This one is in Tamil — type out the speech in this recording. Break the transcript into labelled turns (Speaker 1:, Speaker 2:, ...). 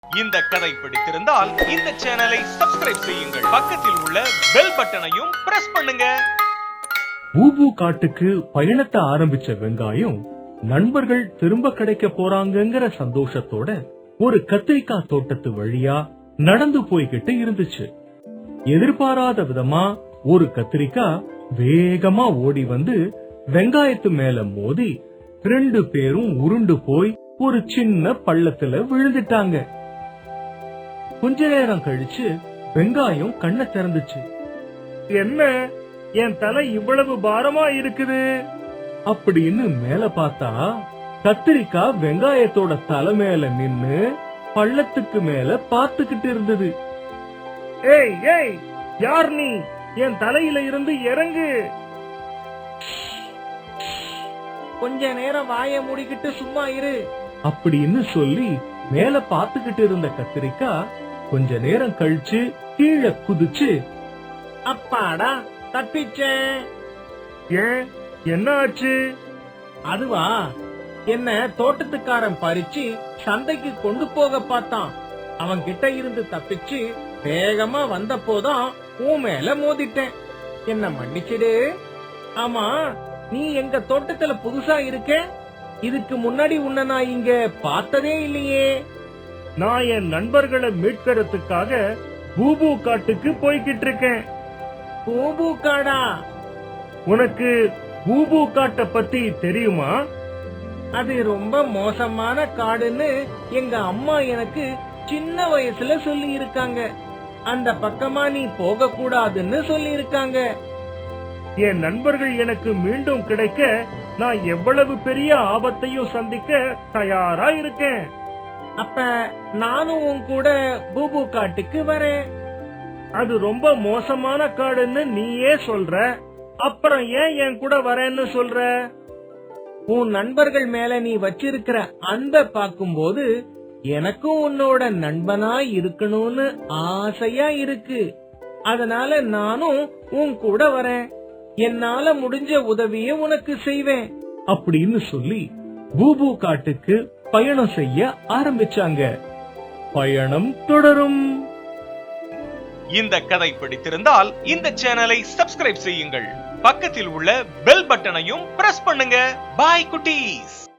Speaker 1: இந்த கதை பிடித்திருந்தால் இந்த சேனலை சப்ஸ்கிரைப் செய்யுங்கள், பக்கத்தில் உள்ள பெல் பட்டனையும் பிரஸ் பண்ணுங்க.
Speaker 2: பூபு காட்டுக்கு பயணத்தை ஆரம்பிச்ச வெங்காயம் நண்பர்கள் திரும்ப கிடைக்க போறாங்கங்கிற சந்தோஷத்தோட ஒரு கத்திரிக்காய் தோட்டத்து வழியா நடந்து போய்கிட்டு இருந்துச்சு. எதிர்பாராத விதமா ஒரு கத்திரிக்காய் வேகமா ஓடி வந்து வெங்காயத்து மேல மோதி 2 பேரும் உருண்டு போய் ஒரு சின்ன பள்ளத்துல விழுந்துட்டாங்க. கொஞ்ச நேரம் கழிச்சு வெங்காயம் கண்ணை திறந்துச்சு. என்ன, என் தலை இவ்வளவு பாரமா இருக்குது அப்படின்னு மேல பார்த்தா கத்திரிக்காய் வெங்காயத்தோட தலை மேல நின்னு பள்ளத்துக்கு மேல பாத்துக்கிட்டு இருந்தது. ஏய் ஏய், யார் நீ? என் தலையில இருந்து இறங்கு. கொஞ்ச நேரம் வாய மூடிக்கிட்டு சும்மா இரு அப்படின்னு சொல்லி மேல பாத்துக்கிட்டு இருந்த கத்திரிக்காய் கொஞ்ச நேரம் கழிச்சு கீழே குதிச்சு, அப்பாடா தப்பிச்சேன். ஏன், என்ன ஆச்சு? அதுவா, என்ன தோட்டத்துக்காரன் பறிச்சு சந்தைக்கு கொண்டு போக பார்த்தான். அவன் கிட்ட இருந்து தப்பிச்சு வேகமா வந்த போதான் உன் மேல மோதிட்டேன். என்ன மன்னிச்சிடு. ஆமா, நீ எங்க தோட்டத்துல புதுசா இருக்க. இதுக்கு முன்னாடி உன்னை நான் இங்க பார்த்ததே இல்லையே. நான் என் நண்பர்களை மீட்கிறதுக்காக பூபு காட்டுக்கு போய்கிட்டு இருக்கேன். பூபு காடா? உனக்கு பூபு காட்டை பத்தி தெரியுமா? அது ரொம்ப மோசமான காடுன்னு எங்க அம்மா எனக்கு சின்ன வயசுல சொல்லி இருக்காங்க. அந்த பக்கமா நீ போக கூடாதுன்னு சொல்லி இருக்காங்க. என் நண்பர்கள் எனக்கு மீண்டும் கிடைக்க நான் எவ்வளவு பெரிய ஆபத்தையும் சந்திக்க தயாரா இருக்கேன். அப்ப நானும் உன் கூட பூபு காட்டுக்கு வரேன். அது ரொம்ப மோசமான காடுன்னு நீயே சொல்ற, அப்புறம் ஏன் என் கூட வரேன்னு சொல்ற? உன் நண்பர்கள் மேல நீ வச்சிருக்கிற அன்பை பார்க்கும்போது எனக்கும் உன்னோட நண்பனா இருக்கணும்னு ஆசையா இருக்கு. அதனால நானும் உன் கூட வரேன். என்னால முடிஞ்ச உதவியை உனக்கு செய்வேன் அப்படின்னு சொல்லி பூபு காட்டுக்கு பயணம் செய்ய ஆரம்பிச்சாங்க. பயணம் தொடரும்.
Speaker 1: இந்த கதை பிடித்திருந்தால் இந்த சேனலை சப்ஸ்கிரைப் செய்யுங்கள், பக்கத்தில் உள்ள பெல் பட்டனையும் பிரஸ் பண்ணுங்க. பாய் குட்டீஸ்.